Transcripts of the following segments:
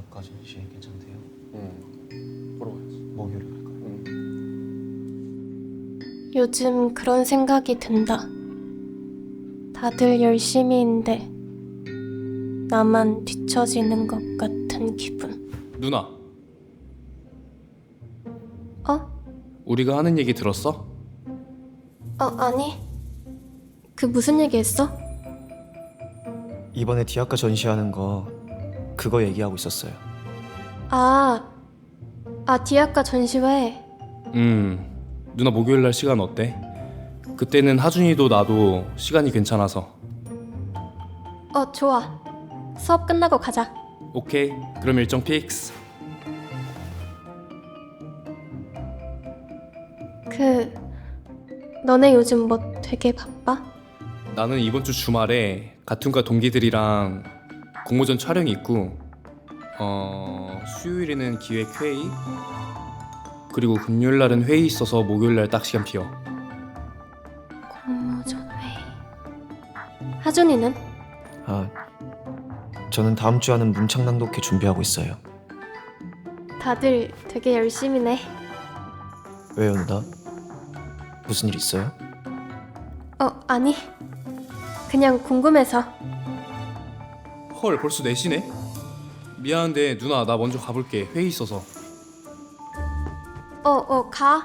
대학가 전시회 괜찮대요. 보러 가야지. 목요일에 갈까요? 요즘 그런 생각이 든다. 다들 열심히인데 나만 뒤처지는 것 같은 기분. 누나, 어? 우리가 하는 얘기 들었어? 아니. 그 무슨 얘기했어? 이번에 대학가 전시하는 거 그거 얘기하고 있었어요. 디아카 전시회. 누나 목요일 날 시간 어때? 그때는 하준이도 나도 시간이 괜찮아서. 좋아. 수업 끝나고 가자. 오케이, 그럼 일정 픽스. 너네 요즘 뭐 되게 바빠? 나는 이번 주 주말에 가툰과 동기들이랑 공모전 촬영이 있고 수요일에는 기획회의, 그리고 금요일 날은 회의 있어서 목요일 날 딱 시간 비어. 공모전 회의. 하준이는? 저는 다음 주 하는 문창낭독회 준비하고 있어요. 다들 되게 열심히네. 왜요, 누나? 무슨 일 있어요? 아니. 그냥 궁금해서. 헐, 벌써 4시네? 미안한데 누나, 나 먼저 가볼게. 회의 있어서. 가.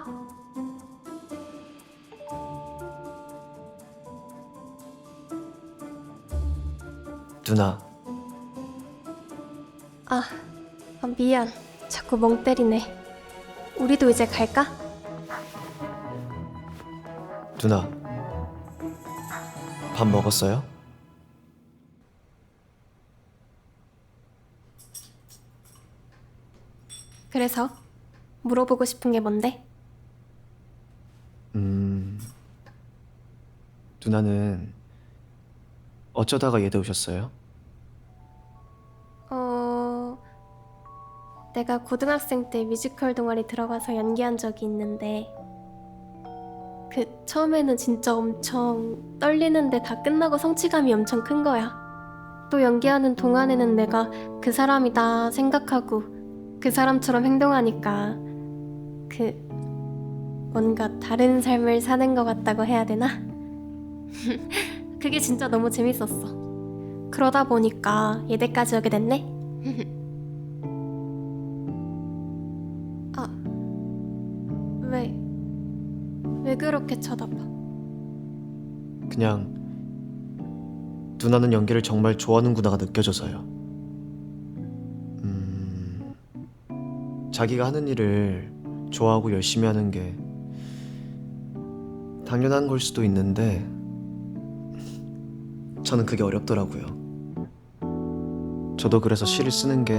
누나, 미안. 자꾸 멍 때리네. 우리도 이제 갈까? 누나. 밥 먹었어요? 그래서 물어보고 싶은 게 뭔데? 누나는 어쩌다가 예대 오셨어요? 내가 고등학생 때 뮤지컬 동아리 들어가서 연기한 적이 있는데 처음에는 진짜 엄청 떨리는데 다 끝나고 성취감이 엄청 큰 거야. 또 연기하는 동안에는 내가 그 사람이다 생각하고 그 사람처럼 행동하니까 뭔가 다른 삶을 사는 것 같다고 해야 되나? 그게 진짜 너무 재밌었어. 그러다 보니까 예대까지 오게 됐네? 왜 그렇게 쳐다봐? 그냥 누나는 연기를 정말 좋아하는구나가 느껴져서요. 자기가 하는 일을 좋아하고 열심히 하는 게 당연한 걸 수도 있는데 저는 그게 어렵더라고요. 저도 그래서 시를 쓰는 게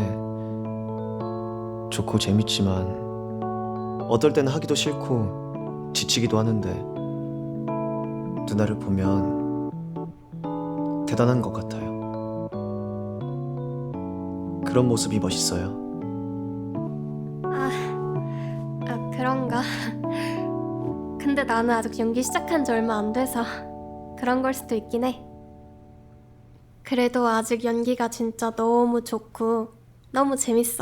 좋고 재밌지만 어떨 때는 하기도 싫고 지치기도 하는데 누나를 보면 대단한 것 같아요. 그런 모습이 멋있어요. 그런가? 근데 나는 아직 연기 시작한 지 얼마 안 돼서 그런 걸 수도 있긴 해. 그래도 아직 연기가 진짜 너무 좋고 너무 재밌어.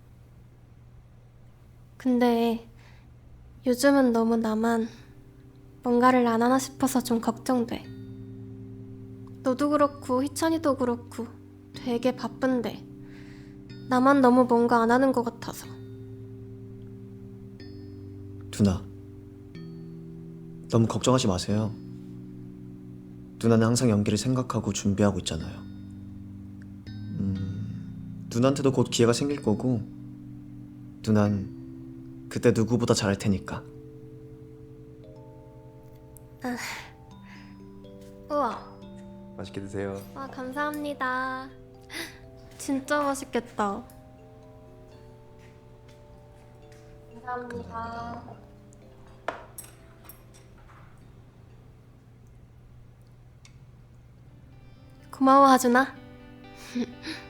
근데 요즘은 너무 나만 뭔가를 안 하나 싶어서 좀 걱정돼. 너도 그렇고 희찬이도 그렇고 되게 바쁜데 나만 너무 뭔가 안 하는 것 같아서. 누나, 너무 걱정하지 마세요. 누나는 항상 연기를 생각하고 준비하고 있잖아요. 누나한테도 곧 기회가 생길 거고 누난 그때 누구보다 잘할 테니까. 우와. 맛있게 드세요. 감사합니다. 진짜 맛있겠다. 감사합니다. 고마워, 하준아.